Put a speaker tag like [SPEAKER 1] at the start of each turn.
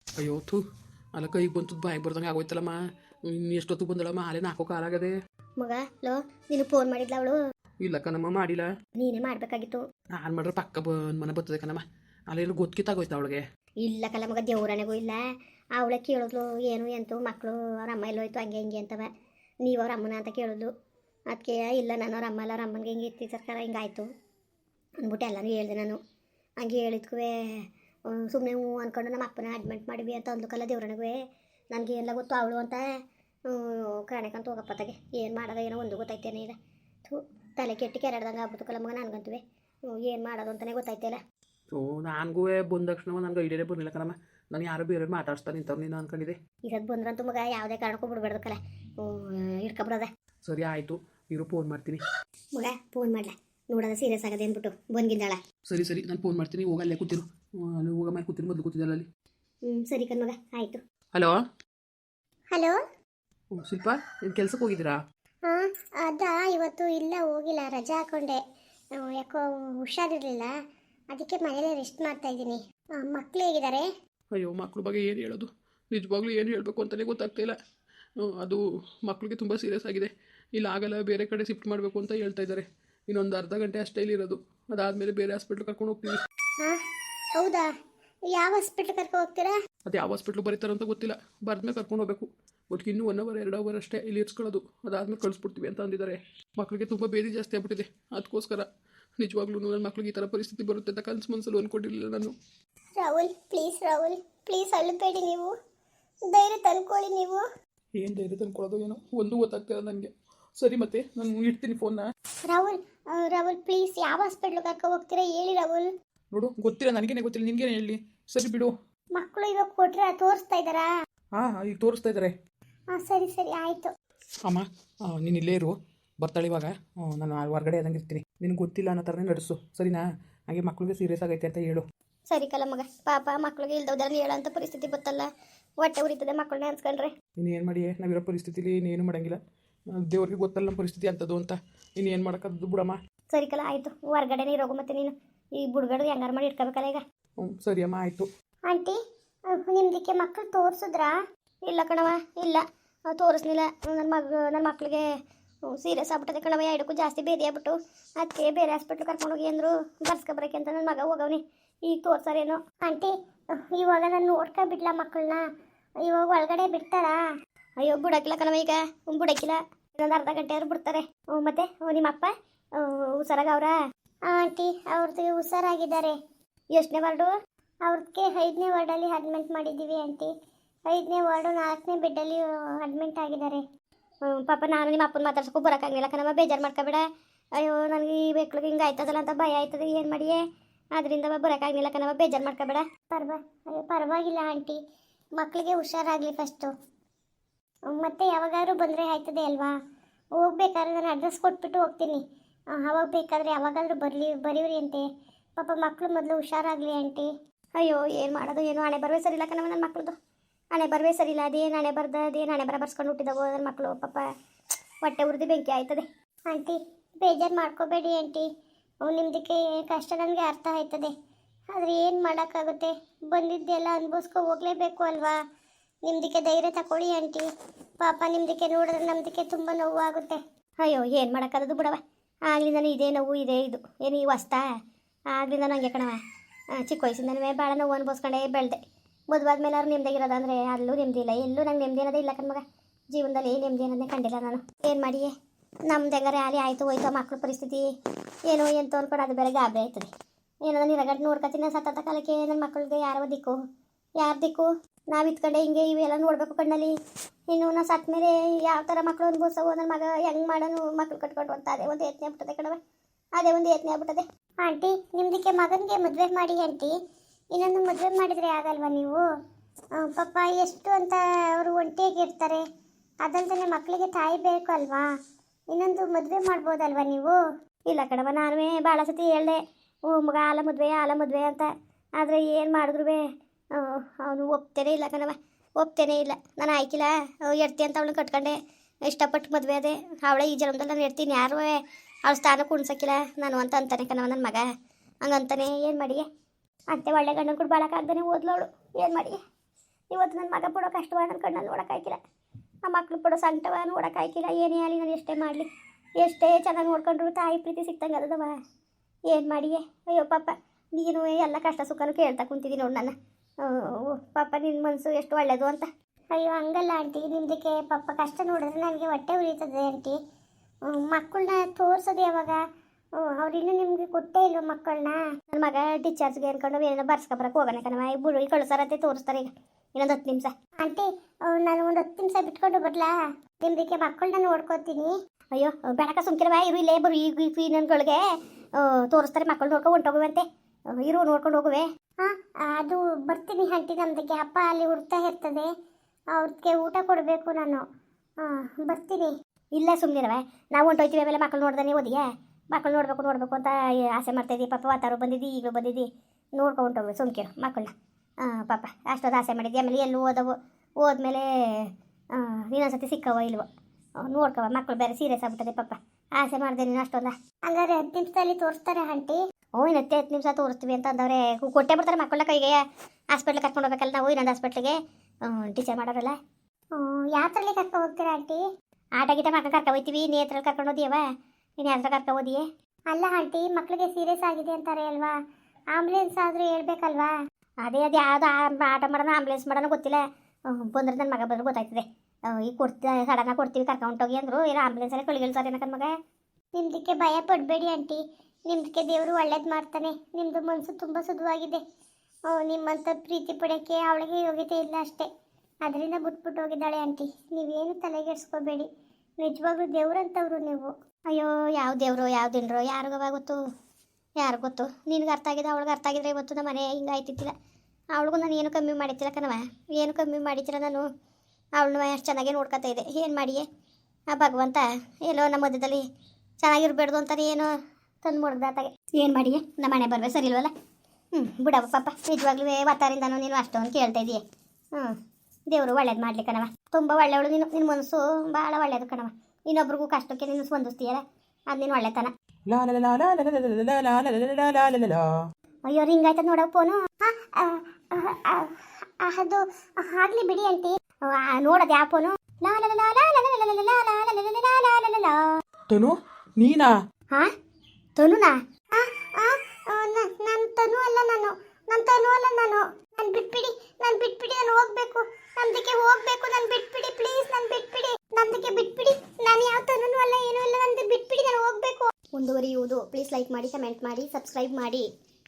[SPEAKER 1] ಅಯ್ಯೋ ಥೂ ಅಲ್ಲ ಕೈಗೆ ಬಂತು ಬಾಯಿಗೆ ಬರ್ದಂಗೆ ಆಗೋಯ್ತಲ್ಲಮ್ಮ. ಇನ್ನು ಎಷ್ಟೊತ್ತು ಬಂದಳಮ್ಮ ಹಾಲೇನು ಹಾಕೋ ಕಾಲಾಗದೆ.
[SPEAKER 2] ಮಗ ಲೋ ನೀನು ಫೋನ್ ಮಾಡಿದ್ಲ ಅವಳು?
[SPEAKER 1] ಇಲ್ಲ ಕಣಮ್ಮ ಮಾಡಿಲ್ಲ.
[SPEAKER 2] ನೀನೇ ಮಾಡಬೇಕಾಗಿತ್ತು.
[SPEAKER 1] ನಾನು ಮಾಡ್ರೆ ಪಕ್ಕ ಮನೆ ಬರ್ತದೆ ಕಣಮ್ಮ. ಅಲ್ಲೆಲ್ಲ ಗೊತ್ತಿತ್ತಾಗೋಯ್ತು ಅವಳಿಗೆ.
[SPEAKER 2] ಇಲ್ಲ ಕಲ ಮಗ, ದೇವ್ರಣೆಗೂ ಇಲ್ಲ. ಅವಳೆ ಕೇಳಿದ್ಲು ಏನು ಎಂತು ಮಕ್ಕಳು ಅವ್ರ ಅಮ್ಮ ಎಲ್ಲೋಯ್ತು ಹಂಗೆ ಹಿಂಗೆ ಅಂತವ. ನೀವು ಅವ್ರ ಅಮ್ಮನ ಅಂತ ಕೇಳಿದ್ಲು. ಅದಕ್ಕೆ ಇಲ್ಲ ನಾನು ಅವ್ರ ಅಮ್ಮ ಎಲ್ಲ ಅವ್ರ ಅಮ್ಮನಿಗೆ ಹಿಂಗೆ ಇರ್ತಿ ಸರ್ಕಾರ ಹಿಂಗಾಯ್ತು ಅಂದ್ಬಿಟ್ಟು ಎಲ್ಲನೂ ಹೇಳಿದೆ ನಾನು. ಹಂಗೆ ಹೇಳಿದ್ಕೂ ಸುಮ್ಮನೆ ಹ್ಞೂ ಅಂದ್ಕೊಂಡು ನಮ್ಮ ಅಪ್ಪನ ಅಡ್ಮಿಟ್ ಮಾಡಿವಿ ಅಂತ ಅಂದ್ಲಕ್ಕಲ್ಲ ದೇವ್ರಣೆಗೂ. ನನಗೆ ಎಲ್ಲ ಗೊತ್ತು ಅವಳು ಅಂತ ಕಾಣಕಂತ ಹೋಗಪ್ಪತ್ತಾಗೆ ಏನು ಮಾಡೋದು ಏನೋ ಒಂದು ಗೊತ್ತಾಯ್ತೇನೆ ಈಗ. ಥೂ ತಲೆ ಕೆಟ್ಟು ಕೆರಡ್ದಂಗೆ ಆಗ್ಬಿಡ್ತಕ್ಕಲ್ಲ ಮಗ ನನಗಂತೂ. ಏನು ಮಾಡೋದು ಅಂತಲೇ ಗೊತ್ತಾಯ್ತಿಲ್ಲ.
[SPEAKER 1] ಓ ನನಗೂ ಬಂದ ತಕ್ಷಣ ನನಗೆ ಐಡಿಯಾನೇ ಬಂದಿಲ್ಲ ಕಣಮ್ಮ. ನಾನು ಯಾರು ಬೇರೆಯವ್ರು ಮಾತಾಡ್ಸ್ತಾ ನಿಂತವ್ರು ನೀನು ಅಂದ್ಕೊಂಡಿದ್ದೆ.
[SPEAKER 2] ಇರೋದು ಬಂದ್ರಂತೂ ಮಗ ಯಾವುದೇ ಕಾರಣಕ್ಕೂ ಬಿಡ್ಬೇಡ್ದಕ್ಕಲ್ಲ, ಇಟ್ಕೊಬಿಡೋದ.
[SPEAKER 1] ಸರಿ ಆಯಿತು ಇರು ಫೋನ್ ಮಾಡ್ತೀನಿ.
[SPEAKER 2] ಮಗ ಫೋನ್ ಮಾಡಲ ನೋಡೋದ ಸೀರಿಯಸ್ ಆಗದೆ ಅಂದ್ಬಿಟ್ಟು ಬಂದ್ಗಿಂದಾಳ.
[SPEAKER 1] ಸರಿ ಸರಿ ನಾನು ಫೋನ್ ಮಾಡ್ತೀನಿ. ಹೋಗ ಅಲ್ಲೇ ಕೂತಿರು. ಅಲ್ಲಿ ಹೋಗ ಮೇಲೆ ಕೂತಿರು, ಮೊದಲು ಕೂತಿದ್ದಲ್ಲ ಅಲ್ಲಿ.
[SPEAKER 2] ಸರಿ ಕಣ್ ಮಗ ಆಯಿತು.
[SPEAKER 1] ಹಲೋ
[SPEAKER 2] ಹಲೋ
[SPEAKER 1] ಶಿಲ್ಪ, ಏನು ಕೆಲ್ಸಕ್ಕೆ ಹೋಗಿದ್ದೀರಾ?
[SPEAKER 2] ಹಾಂ ಅದಾ ಇವತ್ತು ಇಲ್ಲ ಹೋಗಿಲ್ಲ, ರಜಾ ಹಾಕೊಂಡೆ. ಯಾಕೋ ಹುಷಾರಿರಲಿಲ್ಲ, ಅದಕ್ಕೆ ಮನೇಲಿ ರೆಸ್ಟ್ ಮಾಡ್ತಾ ಇದ್ದೀನಿ. ಮಕ್ಕಳು ಹೇಗಿದ್ದಾರೆ?
[SPEAKER 1] ಅಯ್ಯೋ ಮಕ್ಳ ಬಗ್ಗೆ ಏನು ಹೇಳೋದು, ನಿಜವಾಗ್ಲೂ ಏನು ಹೇಳಬೇಕು ಅಂತಲೇ ಗೊತ್ತಾಗ್ತಾ ಇಲ್ಲ. ಅದು ಮಕ್ಕಳಿಗೆ ತುಂಬ ಸೀರಿಯಸ್ ಆಗಿದೆ. ಇಲ್ಲ ಆಗಲ್ಲ, ಬೇರೆ ಕಡೆ ಶಿಫ್ಟ್ ಮಾಡಬೇಕು ಅಂತ ಹೇಳ್ತಾ ಇದ್ದಾರೆ. ಇನ್ನೊಂದು ಅರ್ಧ ಗಂಟೆ ಅಷ್ಟೇ ಇಲ್ಲಿರೋದು, ಅದಾದಮೇಲೆ ಬೇರೆ ಹಾಸ್ಪಿಟ್ಲ್ ಕರ್ಕೊಂಡು ಹೋಗ್ತೀವಿ.
[SPEAKER 2] ಹಾಂ ಹೌದಾ, ಯಾವ ಹಾಸ್ಪಿಟ್ಲ್ ಕರ್ಕೊಂಡು ಹೋಗ್ತೀರಾ?
[SPEAKER 1] ಅದು ಯಾವ ಹಾಸ್ಪಿಟ್ಲ್ ಬರೀತಾರೋ ಅಂತ ಗೊತ್ತಿಲ್ಲ, ಬರ್ದ್ಮೇಲೆ ಕರ್ಕೊಂಡು ಹೋಗ್ಬೇಕು. ಒಟ್ಟಿಗೆ ಇನ್ನೂ 1 ಅವರ್ 2 ಅವರ್ ಅಷ್ಟೇ ಇಲ್ಲಿ ಇರ್ಸ್ಕೊಳ್ಳೋದು, ಅದಾದಮೇಲೆ ಕಳಿಸ್ಬಿಡ್ತೀವಿ ಅಂತ ಅಂದಿದ್ದಾರೆ. ಮಕ್ಕಳಿಗೆ ತುಂಬ ಬೇರೆ ಜಾಸ್ತಿ ಆಗ್ಬಿಟ್ಟಿದೆ, ಅದಕ್ಕೋಸ್ಕರ ನಿಜವಾಗ್ಲೂ ನನ್ನ ಮಕ್ಳಿಗೆ ಈ ಥರ ಪರಿಸ್ಥಿತಿ ಬರುತ್ತೆ ಅಂತ ಕನಸು ಮನಸ್ಸಲ್ಲಿ ಅಂದ್ಕೊಂಡಿರಲಿಲ್ಲ ನಾನು.
[SPEAKER 2] ರಾಹುಲ್ ಪ್ಲೀಸ್ ಅಳ್ಳಬೇಡಿ, ನೀವು ಧೈರ್ಯ ತಂದ್ಕೊಳ್ಳಿ. ನೀವು
[SPEAKER 1] ಏನು ಧೈರ್ಯ ತಂದ್ಕೊಳ್ಳೋದು ಏನೋ ಒಂದು ಗೊತ್ತಾಗ್ತಿಲ್ಲ ನನಗೆ. ಸರಿ ಮತ್ತೆ ನಾನು ಇಡ್ತೀನಿ ಫೋನ್ನ.
[SPEAKER 2] ರಾಹುಲ್ ಪ್ಲೀಸ್ ಯಾವ ಹಾಸ್ಪಿಟ್ಲ್ ಕರ್ಕೊಂಡು ಹೋಗ್ತೀರಾ ಹೇಳಿ ರಾಹುಲ್.
[SPEAKER 1] ನೋಡು ಗೊತ್ತಿಲ್ಲ, ನನಗೇನೆ ಗೊತ್ತಿಲ್ಲ, ನಿನ್ಗೇನೆ ಹೇಳಿ. ಸರಿ ಬಿಡು.
[SPEAKER 2] ಮಕ್ಕಳು ಇವಾಗ ಕೊಟ್ರೆ ತೋರಿಸ್ತಾ ಇದ್ದಾರಾ?
[SPEAKER 1] ಹಾಂ ಈಗ ತೋರಿಸ್ತಾ ಇದ್ದಾರೆ.
[SPEAKER 2] ಹಾಂ ಸರಿ ಆಯಿತು.
[SPEAKER 1] ಅಮ್ಮ ನೀನು ಇಲ್ಲೇ ಇರು, ಬರ್ತಾಳೆ ಇವಾಗ. ನಾನು ಹೊರಗಡೆ ಆದಂಗೆ ಇರ್ತೀನಿ, ನಿನಗೆ ಗೊತ್ತಿಲ್ಲ ಅನ್ನೋ ಥರನೇ ನಡೆಸು ಸರಿನಾ? ಹಾಗೆ ಮಕ್ಳಿಗೆ ಸೀರಿಯಸ್ ಆಗೈತೆ ಅಂತ ಹೇಳು.
[SPEAKER 2] ಸರಿ ಕಲ ಮಗ, ಪಾಪ ಮಕ್ಳಿಗೆ ಇಲ್ದವ್ದಾರ ಹೇಳೋಂಥ ಪರಿಸ್ಥಿತಿ ಬತ್ತಲ್ಲ, ಹೊಟ್ಟೆ ಉರಿತದೆ ಮಕ್ಕಳನ್ನ ಅನ್ಸ್ಕೊಂಡ್ರೆ.
[SPEAKER 1] ಇನ್ನೇನು ಮಾಡಿ, ನಾವಿರೋ ಪರಿಸ್ಥಿತಿಲಿ ಇನ್ನೇನು ಮಾಡೋಂಗಿಲ್ಲ. ದೇವ್ರಿಗೆ ಗೊತ್ತಲ್ಲ ನಮ್ಮ ಪರಿಸ್ಥಿತಿ ಅಂತದ್ದು ಅಂತ. ಇನ್ನೇನು ಮಾಡೋಕ್ಕದ್ದು ಬಿಡಮ್ಮ.
[SPEAKER 2] ಸರಿ ಕಲ ಆಯಿತು, ಹೊರ್ಗಡೆನೇ ಇರೋಗು ಮತ್ತೆ ನೀನು ಈ ಬುಡ್ಗಡ್ದು ಹೆಂಗಾರು ಮಾಡಿ ಇಟ್ಕೋಬೇಕಲ್ಲ ಈಗ.
[SPEAKER 1] ಸರಿ ಅಮ್ಮ ಆಯಿತು.
[SPEAKER 2] ಆಂಟಿ ನಿಮ್ದಕ್ಕೆ ಮಕ್ಕಳು ತೋರಿಸಿದ್ರಾ? ಇಲ್ಲ ಕಣವ, ಇಲ್ಲ ತೋರಿಸ್ಲಿಲ್ಲ. ನನ್ನ ಮಕ್ಕಳಿಗೆ ಸೀರಿಯಸ್ ಆಗ್ಬಿಟ್ಟದೆ ಕಣವ, ಎರಡಕ್ಕೂ ಜಾಸ್ತಿ ಬೇದಿ ಆಗ್ಬಿಟ್ಟು ಅದಕ್ಕೆ ಬೇರೆ ಹಾಸ್ಪಿಟ್ಲ್ ಕರ್ಕೊಂಡೋಗಿ ಅಂದರು ಬರ್ಸ್ಕೊಬರಕ್ಕೆ ಅಂತ. ನನ್ನ ಮಗ ಹೋಗವ್ನಿ, ಈಗ ತೋರ್ಸಾರೇನೋ. ಆಂಟಿ ಇವಾಗ ನಾನು ನೋಡ್ಕೊಬಿಡ್ಲಾ ಮಕ್ಕಳನ್ನ? ಇವಾಗ ಒಳಗಡೆ ಬಿಡ್ತಾರಾ? ಅಯ್ಯೋ ಬಿಡಕ್ಕಿಲ್ಲ ಕಣವ, ಈಗ ಬಿಡಕ್ಕಿಲ್ಲ, ಇನ್ನೊಂದು ಅರ್ಧ ಗಂಟೆ ಆದ್ರೂ ಬಿಡ್ತಾರೆ. ಮತ್ತೆ ನಿಮ್ಮಪ್ಪ ಹುಷಾರಾಗವ್ರ? ಆಂಟಿ ಅವ್ರದ್ದು ಹುಷಾರಾಗಿದ್ದಾರೆ. ಎಷ್ಟನೇ ವಾರ್ಡು? ಅವ್ರಿಗೆ 5ನೇ ವಾರ್ಡಲ್ಲಿ ಅಡ್ಮಿಟ್ ಮಾಡಿದ್ದೀವಿ ಆಂಟಿ. 5ನೇ ವಾರ್ಡು 4ನೇ ಬೆಡ್ಡಲ್ಲಿ ಅಡ್ಮಿಟ್ ಆಗಿದ್ದಾರೆ. ಪಾಪ ನಾನು ನಿಮ್ಮ ಅಪ್ಪನ ಮಾತಾಡ್ಸೋಕ್ಕೂ ಬರೋಕ್ಕಾಗಲಿಲ್ಲ ಕಣಮ್ಮ, ಬೇಜಾರು ಮಾಡ್ಕೊಬೇಡ. ಅಯ್ಯೋ ನನಗೆ ಈ ಮಕ್ಳಿಗೆ ಹಿಂಗೆ ಆಯ್ತದಲ್ಲ ಅಂತ ಭಯ ಆಯ್ತದೆ, ಏನು ಮಾಡಿಯೇ ಅದರಿಂದ ಬರೋಕ್ಕಾಗಲಿಲ್ಲ ಕಣಮ್ಮ, ಬೇಜಾರು ಮಾಡ್ಕೊಬೇಡ. ಅಯ್ಯೋ ಪರವಾಗಿಲ್ಲ ಆಂಟಿ, ಮಕ್ಕಳಿಗೆ ಹುಷಾರಾಗಲಿ ಫಸ್ಟು, ಮತ್ತೆ ಯಾವಾಗಾದ್ರೂ ಬಂದರೆ ಆಯ್ತದೆ ಅಲ್ವಾ? ಹೋಗ್ಬೇಕಾದ್ರೆ ನಾನು ಅಡ್ರೆಸ್ ಕೊಟ್ಬಿಟ್ಟು ಹೋಗ್ತೀನಿ, ಅವಾಗ ಬೇಕಾದರೆ ಯಾವಾಗಾದರೂ ಬರೀವ್ರಿ ಅಂತೆ. ಪಾಪ ಮಕ್ಕಳು ಮೊದಲು ಹುಷಾರಾಗಲಿ ಆಂಟಿ. ಅಯ್ಯೋ ಏನು ಮಾಡೋದು ಏನೋ, ಹಣೆ ಬರವೇ ಸರಿಯಿಲ್ಲ ಕಣವ ನನ್ನ ಮಕ್ಕಳದು. ಹಣೆ ಬರವೇ ಸರಿಯಿಲ್ಲ, ಅದೇನು ಹಣೆ ಬರ್ಸ್ಕೊಂಡು ಹುಟ್ಟಿದವು ನನ್ನ ಮಕ್ಕಳು. ಪಾಪ ಹೊಟ್ಟೆ ಉರಿದು ಬೆಂಕಿ ಆಯ್ತದೆ. ಆಂಟಿ ಬೇಜಾರು ಮಾಡ್ಕೋಬೇಡಿ ಆಂಟಿ, ನಿಮ್ಮದಕ್ಕೆ ಕಷ್ಟ ನನಗೆ ಅರ್ಥ ಆಯ್ತದೆ, ಆದರೆ ಏನು ಮಾಡೋಕ್ಕಾಗುತ್ತೆ, ಬಂದಿದ್ದೆಲ್ಲ ಅನುಭವಿಸ್ಕೊ ಹೋಗಲೇಬೇಕು ಅಲ್ವಾ? ನಿಮ್ಮದಕ್ಕೆ ಧೈರ್ಯ ತಗೊಳ್ಳಿ ಆಂಟಿ. ಪಾಪ ನಿಮ್ಮದಕ್ಕೆ ನೋಡಿದ್ರೆ ನಮ್ಮದಕ್ಕೆ ತುಂಬ ನೋವು ಆಗುತ್ತೆ. ಅಯ್ಯೋ ಏನು ಮಾಡೋಕ್ಕಾಗೋದು ಬಿಡವ, ಆಗ್ಲಿಂದ ಇದೇ ನೋವು ಇದೇ ಇದು ಏನು ಈ ಹೊಸ್ತಾ? ಆಗ್ಲಿಂದ ನನಗೆ ಕಣವ ಚಿಕ್ಕ ವಯಸ್ಸಿಂದನೂ ಭಾಳ ನೋವು ಅನುಭವಿಸ್ಕೊಂಡೇ ಬೆಳೆದೆ. ಮದುವಾದ್ಮೇಲೆ ಅವ್ರು ನೆಮ್ಮದಿಗಿರೋದು ಅಂದರೆ ಅಲ್ಲೂ ನೆಮ್ಮದಿ ಇಲ್ಲ, ಎಲ್ಲೂ ನಂಗೆ ನೆಮ್ಮದಿ ಅನ್ನೋದೇ ಇಲ್ಲ ಕಣ್ಮಗ. ಜೀವನದಲ್ಲಿ ನೆಮ್ಮದಿ ಅನ್ನೋದನ್ನೇ ಕಂಡಿಲ್ಲ ನಾನು. ಏನು ಮಾಡಿಯೇ ನಮ್ದು ಹೆಂಗಾರೆ ಆಲಿ ಆಯಿತು ಹೋಯ್ತು, ಮಕ್ಕಳ ಪರಿಸ್ಥಿತಿ ಏನೋ ಎಂತ ಅಂದ್ಕೊಂಡು ಅದು ಬೇರೆ ಗಾಬರಿ ಆಯ್ತದೆ. ಏನೋ ನಾನು ಇರಗಟ್ಟು ನೋಡ್ಕೊತೀನಿ, ಸತತ ಕಾಲಕ್ಕೆ ನನ್ನ ಮಕ್ಕಳಿಗೆ ಯಾರೋ ದಿಕ್ಕು, ಯಾರು ದಿಕ್ಕು? ನಾವು ಇತ್ಕೊಂಡೆ ಹಿಂಗೆ ಇವೆಲ್ಲ ನೋಡಬೇಕು ಕಣ್ಣಲ್ಲಿ. ಇನ್ನು ನಾ ಸತ್ತ ಮೇಲೆ ಯಾವ ಥರ ಮಕ್ಕಳು ಅನ್ಭವಿಸವು, ನನ್ನ ಮಗ ಹೆಂಗೆ ಮಾಡೋನು ಮಕ್ಕಳು ಕಟ್ಕೊಂಡು ಅಂತ ಅದೇ ಒಂದು ಯತ್ನೆ ಆಗ್ಬಿಟ್ಟದೆ ಕಣವ, ಅದೇ ಒಂದು ಯತ್ನೆ ಆಗ್ಬಿಟ್ಟದೆ. ಆಂಟಿ ನಿಮ್ಮದಕ್ಕೆ ಮಗನಿಗೆ ಮದುವೆ ಮಾಡಿ ಆಂಟಿ, ಇನ್ನೊಂದು ಮದುವೆ ಮಾಡಿದರೆ ಆಗಲ್ವಾ ನೀವು? ಪಾಪ ಎಷ್ಟು ಅಂತ ಅವರು ಒಂಟಿಯಾಗಿರ್ತಾರೆ, ಅದಲ್ಲದೆ ಮಕ್ಕಳಿಗೆ ತಾಯಿ ಬೇಕು ಅಲ್ವಾ? ಇನ್ನೊಂದು ಮದುವೆ ಮಾಡ್ಬೋದಲ್ವಾ ನೀವು? ಇಲ್ಲ ಕಣವ, ನಾನುವೇ ಭಾಳ ಸತಿ ಹೇಳ್ದೆ ಮಗ ಆಲ ಮದುವೆ ಅಂತ, ಆದರೆ ಏನು ಮಾಡಿದ್ರು ಅವನು ಒಪ್ತೇನೆ ಇಲ್ಲ ಕಣವ, ಒಪ್ತೇನೆ ಇಲ್ಲ. ನಾನು ಆಯ್ಕಿಲ್ಲ ಎಡ್ತಿ ಅಂತ ಅವಳನ್ನ ಕಟ್ಕೊಂಡೆ, ಇಷ್ಟಪಟ್ಟು ಮದುವೆ ಅದೇ. ಅವಳೇ ಈ ಜನ್ಮದಲ್ಲಿ ನಾನು ಎಡ್ತೀನಿ, ಯಾರು ಅವಳ ಸ್ಥಾನ ಕುಣ್ಸಕ್ಕಿಲ್ಲ ನಾನು ಅಂತ ಅಂತಾನೆ ಕಣವ ನನ್ನ ಮಗ. ಹಂಗಂತಾನೆ ಏನು ಮಾಡಿಯೇ? ಅಂತೆ ಒಳ್ಳೆ ಗಂಡನ ಕೂಡ ಬಾಳಕ್ಕಾಗ್ದೇ ಓದ್ಲವಳು, ಏನು ಮಾಡಿಯೇ? ಇವತ್ತು ನನ್ನ ಮಗ ಪಡೋ ಕಷ್ಟವ ನನ್ನ ಕಣ್ಣಲ್ಲಿ ನೋಡೋಕ್ಕಾಯ್ಕಿಲ್ಲ. ಆ ಮಕ್ಳು ಪಡೋ ಸಂಕಟವ ನೋಡೋಕ್ಕಾಯ್ಕಿಲ್ಲ. ಏನೇ ಆಗಲಿ ನಾನು ಎಷ್ಟೇ ಮಾಡಲಿ, ಎಷ್ಟೇ ಚೆನ್ನಾಗಿ ನೋಡ್ಕೊಂಡ್ರು ತಾಯಿ ಪ್ರೀತಿ ಸಿಕ್ತಂಗೆ ಅದದವ. ಏನು ಮಾಡಿಯೇ? ಅಯ್ಯೋ ಪಾಪ, ನೀನು ಎಲ್ಲ ಕಷ್ಟ ಸುಖನೂ ಕೇಳ್ತಾ ಕುಂತಿದ್ದೀನಿ ನೋಡಿ ನನ್ನ. ಪಾಪ ನಿನ್ನ ಮನಸ್ಸು ಎಷ್ಟು ಒಳ್ಳೇದು ಅಂತ. ಅಯ್ಯೋ ಹಂಗಲ್ಲ ಆಂಟಿ, ನಿಮ್ಮದಕ್ಕೆ ಪಾಪ ಕಷ್ಟ ನೋಡಿದ್ರೆ ನನಗೆ ಹೊಟ್ಟೆ ಉರಿತದೆ ಆಂಟಿ. ಮಕ್ಕಳನ್ನ ತೋರಿಸೋದು ಯಾವಾಗ? ಅವ್ರಿನ್ನೂ ನಿಮಗೆ ಕೊಟ್ಟೇ ಇಲ್ವ ಮಕ್ಕಳನ್ನ? ನನ್ನ ಮಗ ಡಿಸ್ಚಾರ್ಜ್ಗೆ ಅನ್ಕೊಂಡು ಏನೋ ಬರ್ಸ್ಕೊಬರಕ್ಕೆ ಹೋಗೋಣ ಕಣವ. ಬುಡಿ ಕಳಿಸೋರತ್ತೆ ತೋರಿಸ್ತಾರೆ ಈಗ ಇನ್ನೊಂದು 10 ನಿಮಿಷ. ಆಂಟಿ ನಾನು ಒಂದು 10 ನಿಮಿಷ ಬಿಟ್ಕೊಂಡು ಬರಲಾ? ನಿಮ್ಮದಕ್ಕೆ ಮಕ್ಕಳನ್ನ ನೋಡ್ಕೋತೀನಿ. ಅಯ್ಯೋ ಬೆಳಕ ಸುಮ್ಕಿರವ, ಇರು ಇಲ್ಲೇ ಬರು. ಈಗ ನನ್ಗಳಿಗೆ ತೋರಿಸ್ತಾರೆ, ಮಕ್ಕಳು ನೋಡ್ಕೊಂಡು ಹೊಂಟೋಗುವಂತೆ. ಇರು ನೋಡ್ಕೊಂಡು ಹೋಗುವೆ. ಹಾಂ ಅದು ಬರ್ತೀನಿ ಆಂಟಿ. ನಮ್ಮದಕ್ಕೆ ಅಪ್ಪ ಅಲ್ಲಿ ಹುಡ್ತಾ ಇರ್ತದೆ, ಅವ್ರಿಗೆ ಊಟ ಕೊಡಬೇಕು ನಾನು. ಬರ್ತೀನಿ. ಇಲ್ಲ ಸುಮ್ಮನಿರವೆ, ನಾವು ಹೊಂಟೋಯ್ತೀವಿ. ಆಮೇಲೆ ಮಕ್ಕಳು ನೋಡ್ದಾನೆ ಓದಿಯಾ? ಮಕ್ಕಳು ನೋಡಬೇಕು ಅಂತ ಆಸೆ ಮಾಡ್ತಾಯಿದ್ದಿ. ಪಾಪ ವಾತಾರು ಬಂದಿದ್ದಿ, ಈಗಲೂ ಬಂದಿದ್ದಿ. ನೋಡ್ಕೊಂಡು ಹೊಂಟೋಗ್ಬೇಕು ಸುಮ್ಕಿರು ಮಕ್ಕಳನ್ನ. ಪಾಪ ಅಷ್ಟೊಂದು ಆಸೆ ಮಾಡಿದ್ದಿ. ಆಮೇಲೆ ಎಲ್ಲೂ ಓದವು, ಹೋದ್ಮೇಲೆ ಇನ್ನೊಂದ್ಸತಿ ಸಿಕ್ಕವೋ ಇಲ್ವೋ ನೋಡ್ಕವ. ಮಕ್ಕಳು ಬೇರೆ ಸೀರಿಯಸ್ ಆಗ್ಬಿಟ್ಟದೆ ಪಾಪ. ಆಸೆ ಮಾಡಿದೆ ನೀನು ಅಷ್ಟೊಂದ. ಹಂಗಾರೆ 10 ನಿಮಿಷದಲ್ಲಿ ತೋರಿಸ್ತಾರೆ ಆಂಟಿ? ಇನ್ನೊಂದು 10 ನಿಮಿಷ ತೋರಿಸ್ತೀವಿ ಅಂತ ಅಂದವ್ರೆ. ಕೊಟ್ಟೆ ಬಿಡ್ತಾರೆ ಮಕ್ಕಳನ್ನ ಕೈಗೆ. ಹಾಸ್ಪಿಟ್ಲಿಗೆ ಕರ್ಕೊಂಡು ಹೋಗ್ಬೇಕಲ್ಲ ನಾವು, ಇನ್ನೊಂದು ಹಾಸ್ಪಿಟ್ಲಿಗೆ ಟೀಚರ್ ಮಾಡೋರಲ್ಲ. ಯಾವ ಥರಲ್ಲಿ ಕರ್ಕೊಂಡು ಹೋಗ್ತೀರಾ ಆಂಟಿ? ಆಟ ಗೀಟ ಮಕ್ಕಳು ಕರ್ಕೊಂಡು ಹೋಗ್ತೀವಿ. ನೇತ್ರಲ್ಲಿ ಕರ್ಕೊಂಡು ಹೋದಿಯವ? ನೀನು ಯಾರ ಕರ್ಕೊಂಡು ಹೋದಿಯೇ? ಅಲ್ಲ ಆಂಟಿ, ಮಕ್ಕಳಿಗೆ ಸೀರಿಯಸ್ ಆಗಿದೆ ಅಂತಾರೆ ಅಲ್ವಾ? ಆಂಬುಲೆನ್ಸ್ ಆದರೂ ಹೇಳ್ಬೇಕಲ್ವಾ? ಅದೇ ಯಾವುದು ಆಟ ಮಾಡೋಣ ಆಂಬುಲೆನ್ಸ್ ಮಾಡೋಣ ಗೊತ್ತಿಲ್ಲ. ಬಂದ್ರೆ ನನ್ನ ಮಗ ಬಂದ್ರೆ ಗೊತ್ತಾಯ್ತದೆ. ಈಗ ಸಡನ್ನಾಗಿ ಕೊಡ್ತೀವಿ ಕರ್ಕೊಂಡೋಗಿ ಅಂದರು. ಏನೋ ಆಂಬುಲೆನ್ಸಲ್ಲೇ ಕಳಿಗಿಳ್ತಾರೆ ಏನಕ್ಕ ಮಗ. ನಿಮ್ಮದಕ್ಕೆ ಭಯ ಪಡಬೇಡಿ ಆಂಟಿ, ನಿಮ್ಮದಕ್ಕೆ ದೇವರು ಒಳ್ಳೇದು ಮಾಡ್ತಾನೆ. ನಿಮ್ಮದು ಮನಸ್ಸು ತುಂಬ ಸುಧವಾಗಿದೆ. ನಿಮ್ಮಂಥ ಪ್ರೀತಿ ಪಡೆಯೋಕ್ಕೆ ಅವಳಿಗೆ ಯೋಗ್ಯತೆ ಇಲ್ಲ ಅಷ್ಟೇ, ಅದರಿಂದ ಬಿಟ್ಬಿಟ್ಟು ಹೋಗಿದ್ದಾಳೆ ಆಂಟಿ. ನೀವೇನು ತಲೆಗೆಡ್ಸ್ಕೋಬೇಡಿ. ನಿಜವಾಗ್ಲೂ ದೇವ್ರಂತವ್ರು ನೀವು. ಅಯ್ಯೋ ಯಾವ ದೇವರು ಯಾವ ದಿನರು ಯಾರಿಗವ ಗೊತ್ತು, ಯಾರು ಗೊತ್ತು. ನಿನಗೆ ಅರ್ಥ ಆಗಿದೆ, ಅವಳಿಗೆ ಅರ್ಥ ಆಗಿದ್ರೆ ಇವತ್ತು ನಮ್ಮ ಮನೆ ಹಿಂಗೆ ಆಯ್ತಿತ್ತಿಲ್ಲ. ಅವಳಿಗೂ ನಾನು ಏನು ಕಮ್ಮಿ ಮಾಡಿತ್ತಿಲ್ಲ ಕಣವ, ಏನು ಕಮ್ಮಿ ಮಾಡಿತ್ತಿಲ್ಲ ನಾನು. ಅವಳನ್ನ ಅಷ್ಟು ಚೆನ್ನಾಗೇ ನೋಡ್ಕೊತಾ ಇದೆ. ಏನು ಮಾಡಿಯೇ? ಆ ಭಗವಂತ ಎಲ್ಲೋ ನಮ್ಮ ಮಧ್ಯದಲ್ಲಿ ಚೆನ್ನಾಗಿರ್ಬೇಡ್ದು ಅಂತಾರೆ, ಏನೋ ತಂದು ಮುಡ್ದಾತಾಗೆ. ಏನು ಮಾಡಿಯೇ? ನಮ್ಮ ಮನೆ ಬರಬೇಕು ಸರಿ ಇಲ್ವಲ್ಲ. ಬಿಡವ ಪಾಪ, ನಿಜವಾಗ್ಲೂ ವಾತಾರಿಂದನೂ ನೀನು ಅಷ್ಟೊಂದು ಕೇಳ್ತಾ ಇದೀಯ. ದೇವರು ಒಳ್ಳೇದು ಮಾಡಲಿ ಕಣವ. ತುಂಬ ಒಳ್ಳೆಯವಳು ನೀನು. ನಿನ್ನ ಮನಸ್ಸು ಭಾಳ ಒಳ್ಳೇದು ಕಣವ. ಇನ್ನೊಬ್ರಿಗೂ ಕಷ್ಟಕ್ಕೆ ನೀನು ಸ್ಪಂದಿಸ್ತೀಯಲ್ಲ, ಅದು ನೀನು ಒಳ್ಳೆತನ. ಅಯ್ಯೋ ಹಿಂಗಾಯ್ತದ ನೋಡೋ ಫೋನು. ಅದು ಆಗ್ಲಿ ಬಿಡಿ ಆಂಟಿ. ನೋಡೋದು ಯಾವ ಫೋನು?
[SPEAKER 1] ತನು ನೀನಾ?
[SPEAKER 2] ಹಾ ತನುನಾ? ನನ್ನ ತನು ಅಲ್ಲ ನಾನು, ನನ್ನ ತನು ಅಲ್ಲ ನಾನು. ನಾನು ಬಿಟ್ಬಿಡಿ, ನಾನು ಹೋಗ್ಬೇಕು. ನಮ್ದಕ್ಕೆ ಹೋಗ್ಬೇಕು, ನಾನು ಬಿಟ್ಬಿಡಿ ಪ್ಲೀಸ್, ನಾನು ಬಿಟ್ಬಿಡಿ. ನಮ್ದಕ್ಕೆ ಬಿಟ್ಬಿಡಿ, ನಾನು ಯಾವ ತನೂ ಅಲ್ಲ, ಏನೂ ಇಲ್ಲ. ನಂದು ಬಿಟ್ಬಿಡಿ, ನಾನು ಹೋಗ್ಬೇಕು. ಮುಂದುವರಿಯುವುದು. ಪ್ಲೀಸ್ ಲೈಕ್ ಮಾಡಿ, ಕಮೆಂಟ್ ಮಾಡಿ, ಸಬ್ಸ್ಕ್ರೈಬ್ ಮಾಡಿ.